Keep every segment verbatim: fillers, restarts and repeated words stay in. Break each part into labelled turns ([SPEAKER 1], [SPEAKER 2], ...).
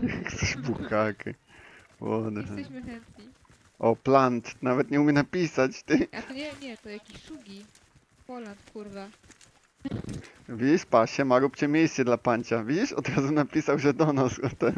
[SPEAKER 1] Chcesz buchakę. Ładne.
[SPEAKER 2] Jesteśmy chętni.
[SPEAKER 1] O, plant. Nawet nie umie napisać, ty.
[SPEAKER 2] A to nie, nie, to jakiś szugi. Poland, kurwa.
[SPEAKER 1] Widzisz, pasie, ma róbcie miejsce dla pancia. Widzisz? Od razu napisał, że do nas. O ten.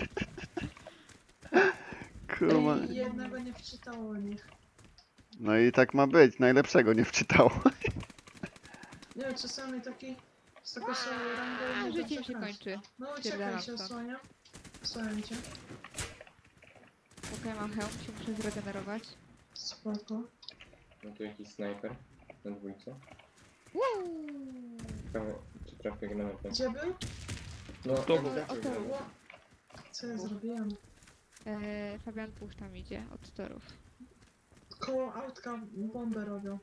[SPEAKER 1] Kurwa.
[SPEAKER 3] Ej, jednego nie wczytało o nich.
[SPEAKER 1] No i tak ma być. Najlepszego nie wczytało.
[SPEAKER 3] Nie wiem, czasami taki z taką samą rangą
[SPEAKER 2] A,
[SPEAKER 3] nie
[SPEAKER 2] życie
[SPEAKER 3] da
[SPEAKER 2] mi się
[SPEAKER 3] grać.
[SPEAKER 2] kończy.
[SPEAKER 3] No
[SPEAKER 2] Spierdalam
[SPEAKER 3] uciekaj się,
[SPEAKER 2] stąd.
[SPEAKER 3] osłaniam. Osłaniam cię.
[SPEAKER 2] Okej, mam hełm, się muszę zregenerować.
[SPEAKER 3] Spoko.
[SPEAKER 4] No tu jakiś snajper na dwójce.
[SPEAKER 2] Woo!
[SPEAKER 4] Prawie, czy trafię granatę?
[SPEAKER 3] Gdzie był?
[SPEAKER 4] No,
[SPEAKER 2] O,
[SPEAKER 4] trafię
[SPEAKER 2] o, to-
[SPEAKER 4] granatę.
[SPEAKER 3] Ło. Co ja zrobiłem?
[SPEAKER 2] Eee, Fabian Puch tam idzie, od torów.
[SPEAKER 3] Koło autka bombę robią.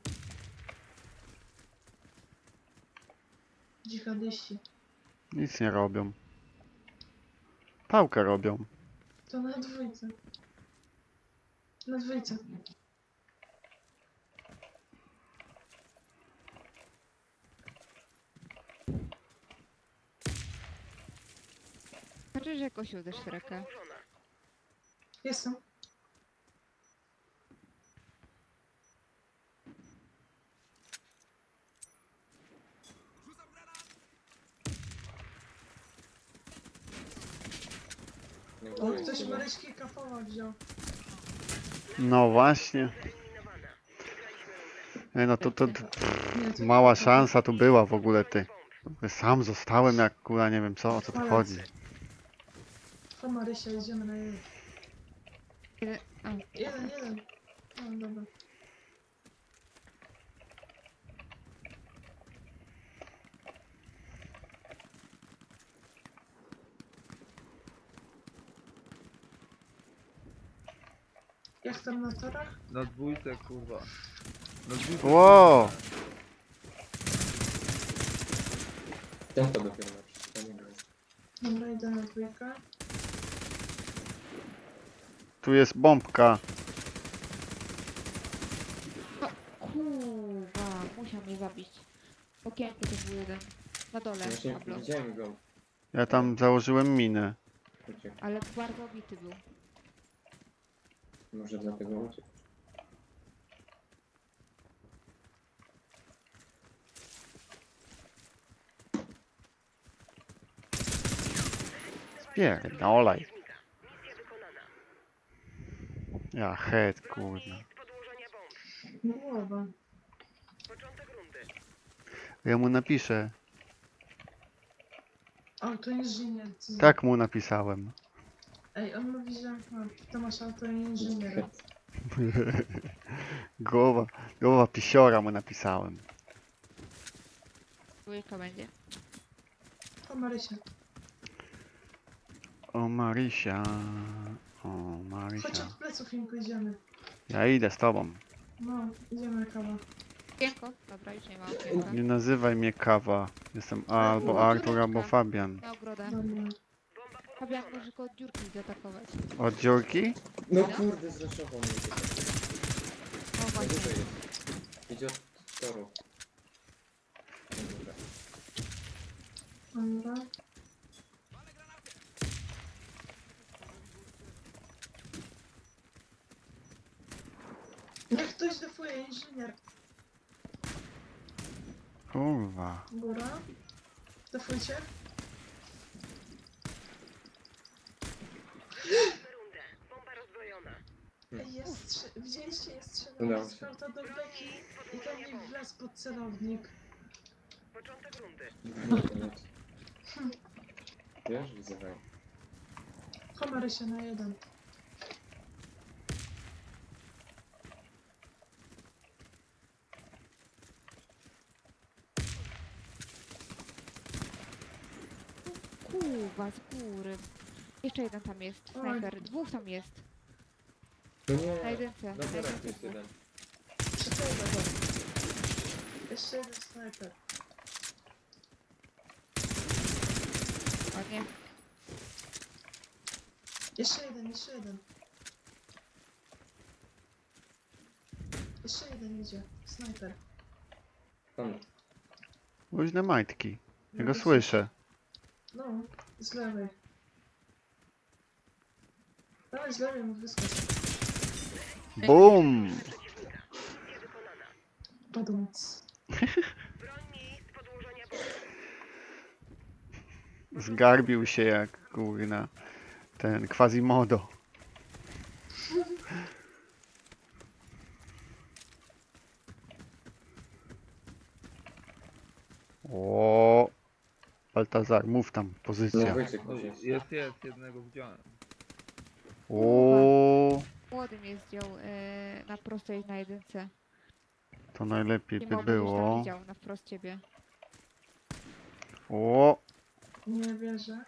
[SPEAKER 3] Dżihadyści.
[SPEAKER 1] Nic nie robią. Pałkę robią.
[SPEAKER 3] To na dwójce. Na dwójce.
[SPEAKER 2] Znaczy, że jakoś uderz w rękę.
[SPEAKER 3] Jestem.
[SPEAKER 4] Na
[SPEAKER 3] O,
[SPEAKER 4] górze
[SPEAKER 3] ktoś
[SPEAKER 4] jest
[SPEAKER 3] Maryśki kafowa wziął.
[SPEAKER 1] No właśnie. Ej, no to, to, to
[SPEAKER 3] Nie, to
[SPEAKER 1] mała
[SPEAKER 3] kafowa.
[SPEAKER 1] szansa tu była w ogóle, ty. Sam zostałem jak kula, nie wiem co, o co tu chodzi.
[SPEAKER 3] To Marysia, idziemy na jeden.
[SPEAKER 2] Jeden, a,
[SPEAKER 3] Jeden, jeden. O, dobra. Jak tam na torach?
[SPEAKER 5] Na dwójce, kurwa. Na dwójce.
[SPEAKER 1] Wow!
[SPEAKER 4] Ten to dopiero na przeczytanie gry.
[SPEAKER 3] Dobra, idę na dwójkę.
[SPEAKER 1] Tu jest bombka.
[SPEAKER 2] kurwa, musiał mnie zabić. Okienko to był jeden. Na dole,
[SPEAKER 4] Właśnie
[SPEAKER 2] Pablo.
[SPEAKER 4] widziałem go.
[SPEAKER 1] Ja tam założyłem minę.
[SPEAKER 4] Uciekł.
[SPEAKER 2] Ale bardzo obity był.
[SPEAKER 4] Może dlatego uciekł.
[SPEAKER 1] Spierdolaj. Ja head, kurwa.
[SPEAKER 3] No głowa.
[SPEAKER 1] Ja mu napiszę.
[SPEAKER 3] O, to inżynier.
[SPEAKER 1] Tak mu napisałem.
[SPEAKER 3] Ej, on mówi, że no, Tomasz auto inżynier.
[SPEAKER 1] Głowa, głowa pisiora mu napisałem.
[SPEAKER 2] Dwójka będzie.
[SPEAKER 3] To Marysia.
[SPEAKER 1] O Marysia. O
[SPEAKER 3] Chodź
[SPEAKER 1] Marysia.
[SPEAKER 3] od pleców im pójdziemy.
[SPEAKER 1] Ja idę z tobą.
[SPEAKER 3] No, idziemy na kawę.
[SPEAKER 2] Okienko? Dobra, już nie ma okienka.
[SPEAKER 1] Nie nazywaj mnie Kawa. Jestem albo Artur, albo Fabian.
[SPEAKER 2] Na ogrodę.
[SPEAKER 3] Dobra.
[SPEAKER 2] Fabian może go od dziurki zaatakować.
[SPEAKER 1] Od dziurki?
[SPEAKER 4] No kurde, zraszował mnie tutaj.
[SPEAKER 2] O
[SPEAKER 4] Na
[SPEAKER 2] właśnie.
[SPEAKER 4] górze jest. Idzie od toru. Na górze.
[SPEAKER 3] Dobra. Niech ktoś defuje, inżynier.
[SPEAKER 1] Kurwa.
[SPEAKER 3] Góra. Defujcie. Ej, jest strze- widzieliście, jest strzelanie
[SPEAKER 4] Udało
[SPEAKER 3] z
[SPEAKER 4] się.
[SPEAKER 3] flauta do beki i tam mi wlazł pod celownik.
[SPEAKER 4] No to nic. Wiesz, widzę.
[SPEAKER 3] Komary się na jeden.
[SPEAKER 2] Kurwa, z góry. Jeszcze jeden tam jest.
[SPEAKER 3] Oj.
[SPEAKER 2] Snajper. Dwóch tam jest.
[SPEAKER 4] No
[SPEAKER 2] Na
[SPEAKER 4] nie.
[SPEAKER 2] jedynce.
[SPEAKER 4] Na
[SPEAKER 2] Na
[SPEAKER 4] torach
[SPEAKER 2] jedynce
[SPEAKER 4] jest
[SPEAKER 2] dwóch.
[SPEAKER 4] jeden.
[SPEAKER 3] Przyczajmy go. Jeszcze jeden snajper.
[SPEAKER 2] Ładnie.
[SPEAKER 3] Jeszcze jeden, jeszcze jeden. Jeszcze jeden idzie. Snajper.
[SPEAKER 4] Tam.
[SPEAKER 1] Luźne majtki. Ja
[SPEAKER 3] No,
[SPEAKER 1] go słyszę.
[SPEAKER 3] No, z lewej. Dawaj z lewej mu wyskocz.
[SPEAKER 1] Bum!
[SPEAKER 3] Padąc.
[SPEAKER 1] Zgarbił się jak kurna ten Quasimodo. O, Baltazar, mów tam,
[SPEAKER 4] No
[SPEAKER 1] pozycja.
[SPEAKER 4] Wojciech
[SPEAKER 5] No,
[SPEAKER 4] już jest.
[SPEAKER 5] jest, jest, jednego widziałem.
[SPEAKER 1] O,
[SPEAKER 2] Młody mnie zdjął e, na prostej na jedynce.
[SPEAKER 1] to najlepiej
[SPEAKER 2] I
[SPEAKER 1] by
[SPEAKER 2] mamo gdzieś tam
[SPEAKER 1] było.
[SPEAKER 2] widział na wprost ciebie.
[SPEAKER 1] O,
[SPEAKER 3] Nie wierzę.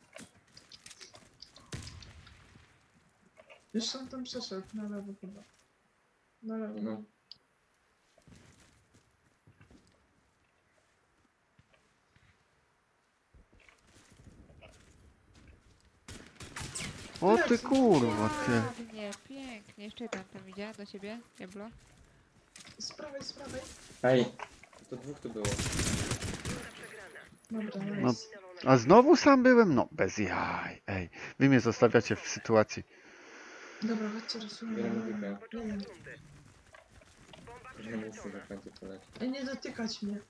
[SPEAKER 3] Już on tam przeszedł, na lewo chyba. Na lewo.
[SPEAKER 4] No.
[SPEAKER 1] o ty kurwa, ty.
[SPEAKER 2] Ładnie, pięknie. Jeszcze jeden tam idzie do ciebie, Diablo.
[SPEAKER 3] Z prawej, z prawej.
[SPEAKER 4] Ej, to dwóch tu było.
[SPEAKER 3] Dobra,
[SPEAKER 1] No,
[SPEAKER 3] nice.
[SPEAKER 1] a znowu sam byłem? No, bez jaj. Ej, wy mnie zostawiacie w sytuacji.
[SPEAKER 3] Dobra, chodźcie, rysujemy.
[SPEAKER 4] Bierzemy
[SPEAKER 3] Nie
[SPEAKER 4] piłkę.
[SPEAKER 3] wiem.
[SPEAKER 4] Że muszę na końcu polecieć.
[SPEAKER 3] Ej, nie dotykać mnie.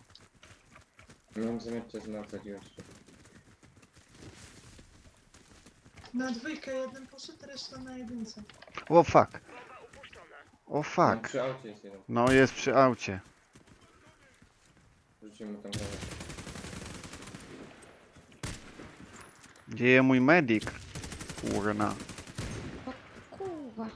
[SPEAKER 4] Mam zamiar cię zmacać jeszcze.
[SPEAKER 3] Na dwójkę jeden poszedł, reszta na jedynce.
[SPEAKER 1] O fuck. O
[SPEAKER 4] No,
[SPEAKER 1] fuck.
[SPEAKER 4] przy aucie jest jeden.
[SPEAKER 1] No jest przy aucie.
[SPEAKER 4] Rzucimy tam głowę.
[SPEAKER 1] Gdzie jest mój medik? Kurna.
[SPEAKER 2] Kurwa.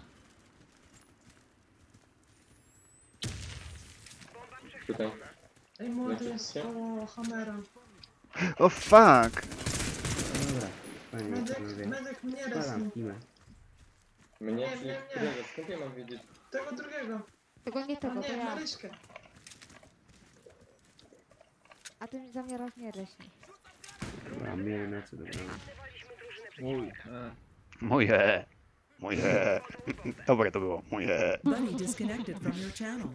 [SPEAKER 4] Tutaj.
[SPEAKER 3] Ej, młody
[SPEAKER 4] Znaczy,
[SPEAKER 3] jest
[SPEAKER 4] się?
[SPEAKER 3] koło Hammera.
[SPEAKER 1] O fuck.
[SPEAKER 6] Dobra, fajnie,
[SPEAKER 3] Medyk,
[SPEAKER 6] panowie.
[SPEAKER 3] medyk mnie resni.
[SPEAKER 6] Spalam kimę.
[SPEAKER 4] Mnie?
[SPEAKER 3] Nie,
[SPEAKER 4] Czyli
[SPEAKER 3] nie, nie.
[SPEAKER 4] którego? Skąd ja mam wiedzieć?
[SPEAKER 3] Tego drugiego.
[SPEAKER 2] Tego nie
[SPEAKER 3] A
[SPEAKER 2] tego, to
[SPEAKER 3] nie,
[SPEAKER 2] ja.
[SPEAKER 3] Maryśkę.
[SPEAKER 2] A ty mi za mnie raz nie reśnij.
[SPEAKER 6] Dobra, miałem na co dobra.
[SPEAKER 5] Mój. E.
[SPEAKER 1] Moje. Moje. Dobre to było. Moje.
[SPEAKER 7] Buddy disconnected from your channel.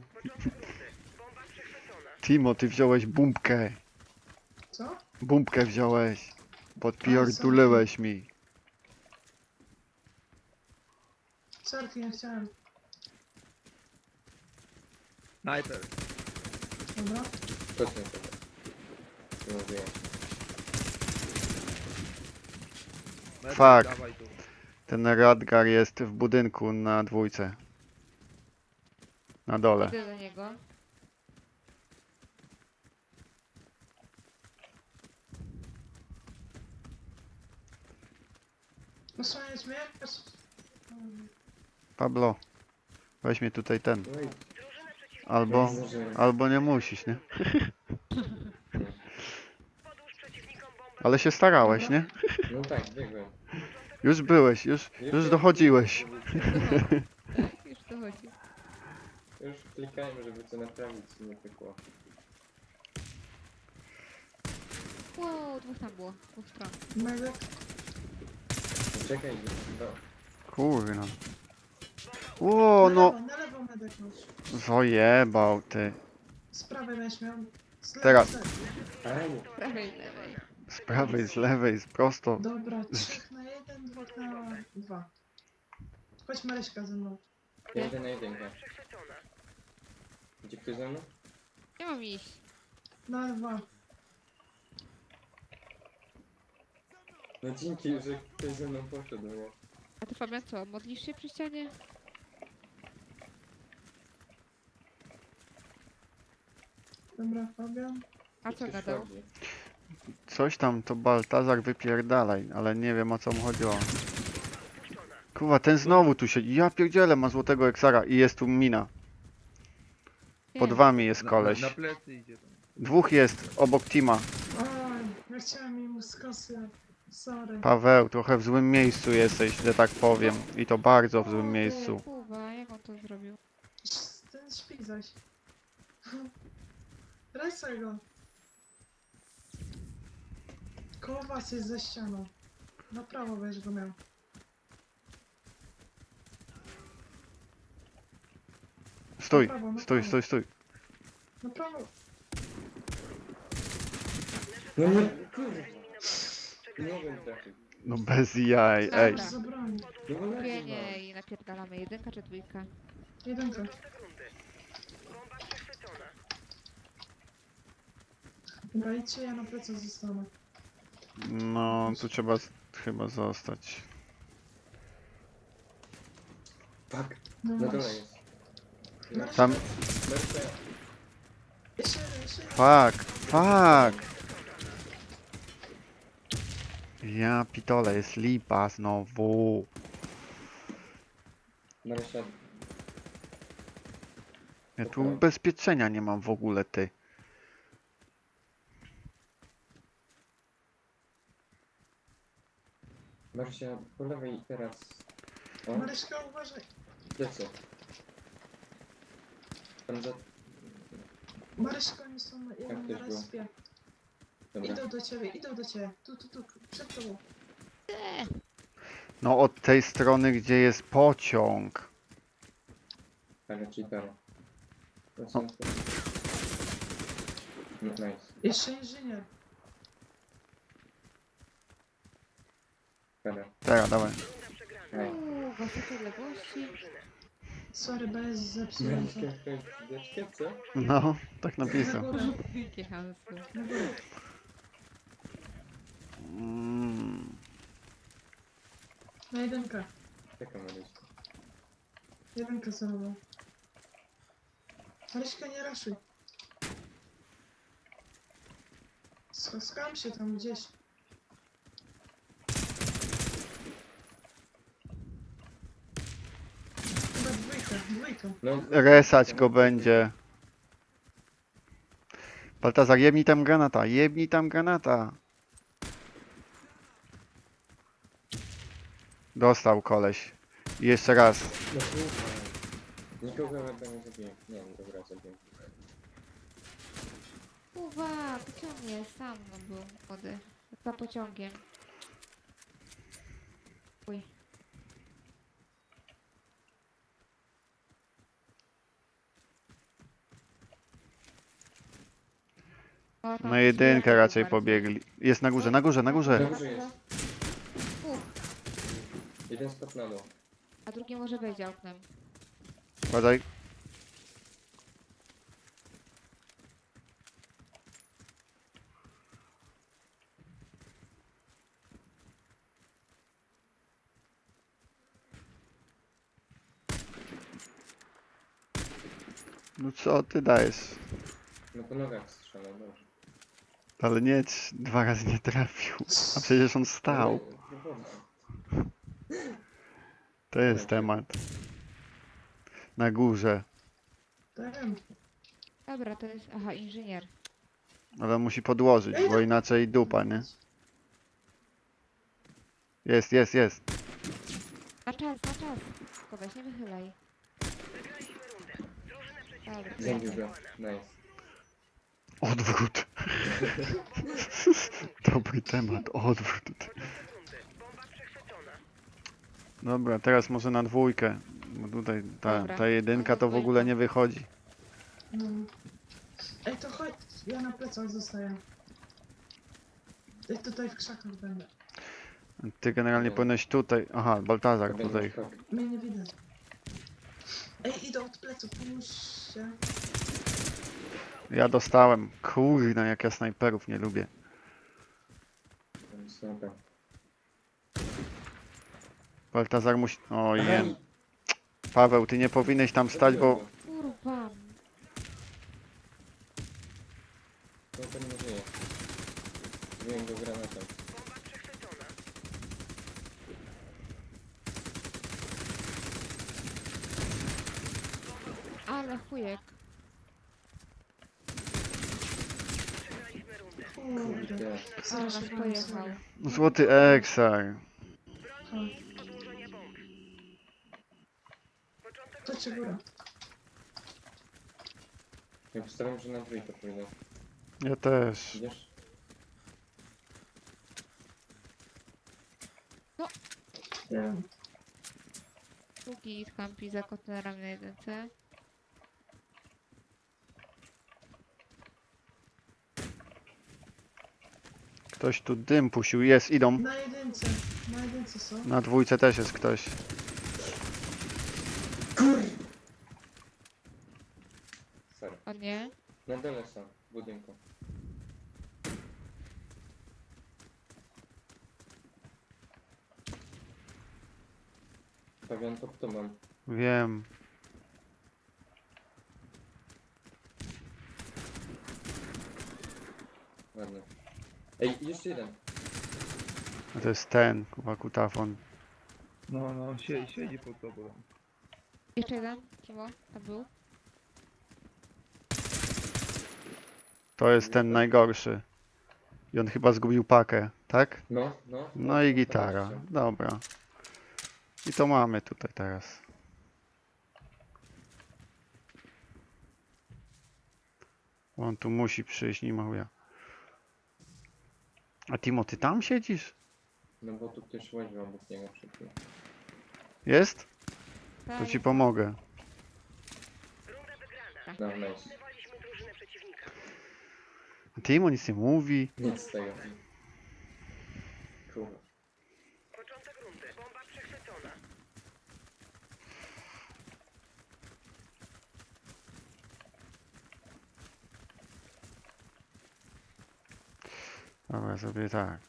[SPEAKER 1] Timo, ty wziąłeś bumbkę.
[SPEAKER 3] Co?
[SPEAKER 1] Bumbkę wziąłeś. Podpierdulełeś mi.
[SPEAKER 3] Sorki, nie chciałem.
[SPEAKER 5] Sniper.
[SPEAKER 3] Dobra.
[SPEAKER 4] Chodźmy sobie. Nie mówiłem.
[SPEAKER 5] Medyk,
[SPEAKER 1] Fuck.
[SPEAKER 5] dawaj tu.
[SPEAKER 1] Ten Radgar jest w budynku na dwójce. Na dole.
[SPEAKER 2] Idę do niego.
[SPEAKER 3] Osłaniać mnie?
[SPEAKER 1] Pablo. Weź mnie tutaj ten.
[SPEAKER 4] No i
[SPEAKER 1] Albo,
[SPEAKER 4] Może-
[SPEAKER 1] albo nie musisz, nie? Ale się starałeś, nie?
[SPEAKER 4] No tak, biegłem.
[SPEAKER 1] Już byłeś, już, już dochodziłeś.
[SPEAKER 2] Już dochodzi.
[SPEAKER 4] Już klikałem, żeby to naprawić, nie pykło.
[SPEAKER 2] Wow, dwóch tam było. Dwóch stron.
[SPEAKER 3] Medyk.
[SPEAKER 4] Czekaj, no.
[SPEAKER 1] Kurna. O, no.
[SPEAKER 3] Na lewo, na lewo medyk masz.
[SPEAKER 1] Zojebał ty.
[SPEAKER 3] Z prawej będziesz miał. Z lewej,
[SPEAKER 1] Teraz.
[SPEAKER 3] z lewej.
[SPEAKER 4] Ej,
[SPEAKER 2] Prawej, lewej.
[SPEAKER 1] Z prawej, z lewej, z prosto.
[SPEAKER 3] Dobra, trzech na jeden, dwóch na dwa. Chodź Maryśka ze mną.
[SPEAKER 4] ja idę na jedynkę. Gdzie ktoś ze mną?
[SPEAKER 2] Nie mam iść.
[SPEAKER 3] Na dwa.
[SPEAKER 4] No dzięki, że ktoś ze mną poszedł, nie?
[SPEAKER 2] A ty Fabian co, modlisz się przy ścianie?
[SPEAKER 3] Dobra, Fabian.
[SPEAKER 2] A co
[SPEAKER 4] Ktoś
[SPEAKER 2] gadał?
[SPEAKER 4] chodzi.
[SPEAKER 1] Coś tam to Baltazar wypierdalaj, ale nie wiem o co mu chodziło. Kurwa, ten znowu tu się. Ja pierdzielę, ma złotego eksara i jest tu mina. Pod
[SPEAKER 2] Nie.
[SPEAKER 1] wami jest
[SPEAKER 5] Na,
[SPEAKER 1] koleś.
[SPEAKER 5] na, na plecy idzie tam.
[SPEAKER 1] Dwóch jest obok Tima.
[SPEAKER 3] Oj, ja chciałem im z kosy. Sorry.
[SPEAKER 1] Paweł, trochę w złym miejscu jesteś, że tak powiem. I to bardzo w złym
[SPEAKER 2] O,
[SPEAKER 1] miejscu.
[SPEAKER 2] ty, Kurwa, jak on to zrobił?
[SPEAKER 3] Ten śpi zaś. Resaj go. Koło was jest ze ścianą. Na prawo będziesz go miał.
[SPEAKER 1] Stój, stój, stój, stój.
[SPEAKER 3] Na prawo.
[SPEAKER 4] No nie, kurwa. Nie mogłem trafić.
[SPEAKER 1] No bez jaj, ej.
[SPEAKER 2] Dobra.
[SPEAKER 3] Za broń.
[SPEAKER 4] No ale
[SPEAKER 2] Kupienie i napierdalamy. Jedynka czy dwójka?
[SPEAKER 3] Jedynka. Dobra, idźcie, ja na plecach zostanę.
[SPEAKER 1] No, tu trzeba z- chyba zostać.
[SPEAKER 4] Fuck,
[SPEAKER 3] No
[SPEAKER 4] na dole
[SPEAKER 3] właśnie.
[SPEAKER 4] jest.
[SPEAKER 3] Marysia,
[SPEAKER 1] Tam,
[SPEAKER 4] Merce,
[SPEAKER 3] Jeszcze jeden, jeszcze jeden.
[SPEAKER 1] fuck, fuck. Ja pitole, jest lipa znowu.
[SPEAKER 4] Merce,
[SPEAKER 1] Ja tu ubezpieczenia nie mam w ogóle, ty.
[SPEAKER 4] Merce, po lewej teraz. O,
[SPEAKER 3] Maryśka, uważaj.
[SPEAKER 4] lecę. Tam za...
[SPEAKER 3] Maryśka, oni są na- jeden
[SPEAKER 4] też
[SPEAKER 3] na
[SPEAKER 4] było.
[SPEAKER 3] respie.
[SPEAKER 4] Dobra.
[SPEAKER 3] Idą do ciebie, idą do ciebie. Tu, tu, tu, przed tobą.
[SPEAKER 1] No od tej strony, gdzie jest pociąg.
[SPEAKER 4] Ale cheatera. To są... No, nice.
[SPEAKER 3] Jeszcze inżynier.
[SPEAKER 4] Dobra.
[SPEAKER 1] Teraz, dawaj.
[SPEAKER 4] Nice.
[SPEAKER 2] Uuu, wasze odległości.
[SPEAKER 3] Sorry, bez zepsułem to.
[SPEAKER 4] Merce, to jest wieczkie, co?
[SPEAKER 1] No, tak
[SPEAKER 3] Na
[SPEAKER 1] napisał.
[SPEAKER 3] górę,
[SPEAKER 2] Wielkie hamstwo.
[SPEAKER 3] na górę.
[SPEAKER 1] Mm.
[SPEAKER 3] Na jedynkę.
[SPEAKER 4] Czekam, Merce.
[SPEAKER 3] Jedynkę celował. Maryśka, nie raszuj. Sk- Skam się tam gdzieś. Chyba dwójka, dwójka.
[SPEAKER 4] No,
[SPEAKER 1] Resać go będzie. Baltazar, jebnij tam granata, jebnij tam granata. Dostał koleś. I jeszcze raz.
[SPEAKER 4] No kurwa. Nikogo chyba nie zabiję. Nie, no dobra, zabiję.
[SPEAKER 2] Uwa, pociągnie, sam on był młody. Za pociągiem. Uj. O, tam
[SPEAKER 1] Na jedynkę
[SPEAKER 2] zbierał
[SPEAKER 1] raczej
[SPEAKER 2] bardziej.
[SPEAKER 1] pobiegli. Jest na górze, na górze, na
[SPEAKER 4] Na
[SPEAKER 1] górze.
[SPEAKER 4] górze jest.
[SPEAKER 2] Uch,
[SPEAKER 4] Jeden stop na dół.
[SPEAKER 2] a drugi może wejdzie oknem.
[SPEAKER 1] Badaj. No co ty dajesz?
[SPEAKER 4] No po nogach strzelał, dobrze.
[SPEAKER 1] Ale nie, trz- dwa razy nie trafił. A przecież on stał.
[SPEAKER 4] Ale próbował.
[SPEAKER 1] To jest temat. Na górze.
[SPEAKER 3] Ten.
[SPEAKER 2] Dobra, to jest... Aha, inżynier.
[SPEAKER 1] Ale musi podłożyć, bo inaczej dupa, nie? Jest, jest, jest.
[SPEAKER 2] Na czas, na czas. Tylko weź, nie wychylaj. Dobra,
[SPEAKER 4] Zabił go. Nice.
[SPEAKER 1] Odwrót. Dobry temat, odwrót. Dobra, teraz może na dwójkę. Bo tutaj ta,
[SPEAKER 2] Dobra.
[SPEAKER 1] ta jedynka to w ogóle nie wychodzi.
[SPEAKER 3] No. Ej, to chodź. Ja na plecach zostaję. Ej, tutaj w krzakach będę.
[SPEAKER 1] Ty generalnie powinieneś tutaj. Aha, Baltazar
[SPEAKER 4] To
[SPEAKER 1] tutaj.
[SPEAKER 4] będzie skok.
[SPEAKER 3] Mnie nie widać. Ej, idą od pleców, pomóżcie.
[SPEAKER 1] Ja dostałem. Kurna, jak ja snajperów nie lubię.
[SPEAKER 4] Sniper.
[SPEAKER 1] Baltazar musi. Ojej.
[SPEAKER 4] Ej,
[SPEAKER 1] Paweł, ty nie powinieneś tam stać, bo.
[SPEAKER 2] Kurwa.
[SPEAKER 4] No to nie żyje. Zbiłem go granatem.
[SPEAKER 2] Ale chujek.
[SPEAKER 3] Kurde.
[SPEAKER 4] Gdzie?
[SPEAKER 2] Ale was
[SPEAKER 3] Zraszowałem
[SPEAKER 2] pojechał.
[SPEAKER 3] sobie.
[SPEAKER 1] Złoty Eksar.
[SPEAKER 3] To cię góra.
[SPEAKER 4] Ja postaram, że na trójkę pójdę.
[SPEAKER 1] Ja też.
[SPEAKER 4] Idziesz?
[SPEAKER 3] Nie wiem.
[SPEAKER 2] Drugi skampi za kontenerami na jedynce.
[SPEAKER 1] Ktoś tu dym pusił. Jest, idą.
[SPEAKER 3] Na jedynce, na jedynce są.
[SPEAKER 1] Na dwójce też jest ktoś.
[SPEAKER 4] Sorry.
[SPEAKER 2] O nie.
[SPEAKER 4] Na dole są, w budynku. Pewien pod tobą.
[SPEAKER 1] Wiem.
[SPEAKER 4] Ładnie. Ej, jeszcze jeden.
[SPEAKER 1] A to jest ten, kurwa, kutafon.
[SPEAKER 5] No, no, siedzi, siedzi pod tobą.
[SPEAKER 2] Jeszcze jeden. Kimo? Tam był.
[SPEAKER 1] To jest ten najgorszy. I on chyba zgubił pakę, tak?
[SPEAKER 4] No, no.
[SPEAKER 1] No i gitara. Dobra. I to mamy tutaj teraz. On tu musi przyjść, nie ma chuja. A Timo, ty tam siedzisz?
[SPEAKER 4] No bo tu ktoś łaził obok niego przed chwilą.
[SPEAKER 1] Jest?
[SPEAKER 2] Tak,
[SPEAKER 1] To ci pomogę.
[SPEAKER 4] No, nice.
[SPEAKER 1] A Timo nic nie mówi.
[SPEAKER 4] Nic z tego. Kurwa.
[SPEAKER 1] Dobra, zrobię tak.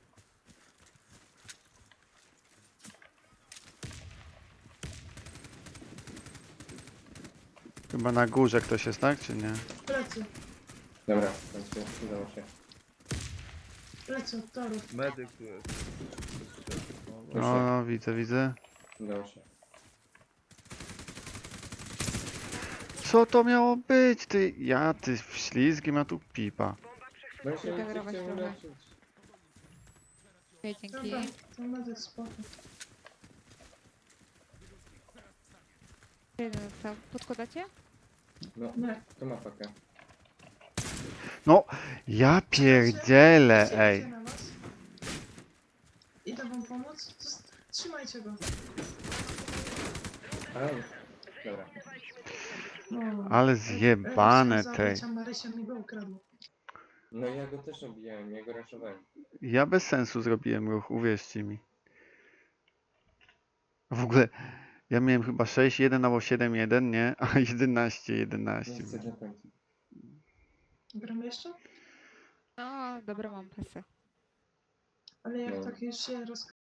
[SPEAKER 1] Chyba na górze ktoś jest, tak? Czy nie?
[SPEAKER 3] Plecy,
[SPEAKER 4] Dobra, w końcu udało się.
[SPEAKER 3] plecy od torów.
[SPEAKER 5] Medyk tu jest. No,
[SPEAKER 1] No, no widzę, widzę.
[SPEAKER 4] Udało się.
[SPEAKER 1] Co to miało być? Ty, ja, ty ślizgiem, a tu pipa.
[SPEAKER 4] No i się nie
[SPEAKER 2] Zagrałaś
[SPEAKER 4] chcę
[SPEAKER 2] trochę.
[SPEAKER 4] uleczyć.
[SPEAKER 2] Okej, dzięki.
[SPEAKER 3] Dobra, to medyk spoko.
[SPEAKER 2] Jeden został. Podkładacie?
[SPEAKER 4] No,
[SPEAKER 3] Nie.
[SPEAKER 4] to ma pakę.
[SPEAKER 1] No, ja pierdzielę,
[SPEAKER 3] Idzie
[SPEAKER 1] ej.
[SPEAKER 3] na was. Idę wam pomóc. Zost- Trzymajcie go.
[SPEAKER 4] Aj. Dobra.
[SPEAKER 3] No.
[SPEAKER 1] Ale zjebane
[SPEAKER 3] Chciałem
[SPEAKER 1] tej.
[SPEAKER 3] zabić, a Marysia mi go ukradła.
[SPEAKER 4] No ja go też obijałem, ja go raszowałem.
[SPEAKER 1] Ja bez sensu zrobiłem ruch, uwierzcie mi. W ogóle, ja miałem chyba sześć jeden albo siedem jeden, nie? A jedenaście jedenaście.
[SPEAKER 4] Nie chcę na końcu.
[SPEAKER 3] Gramy jeszcze?
[SPEAKER 2] No, dobra, mam pasę.
[SPEAKER 3] Ale jak
[SPEAKER 4] No.
[SPEAKER 3] tak już się roz...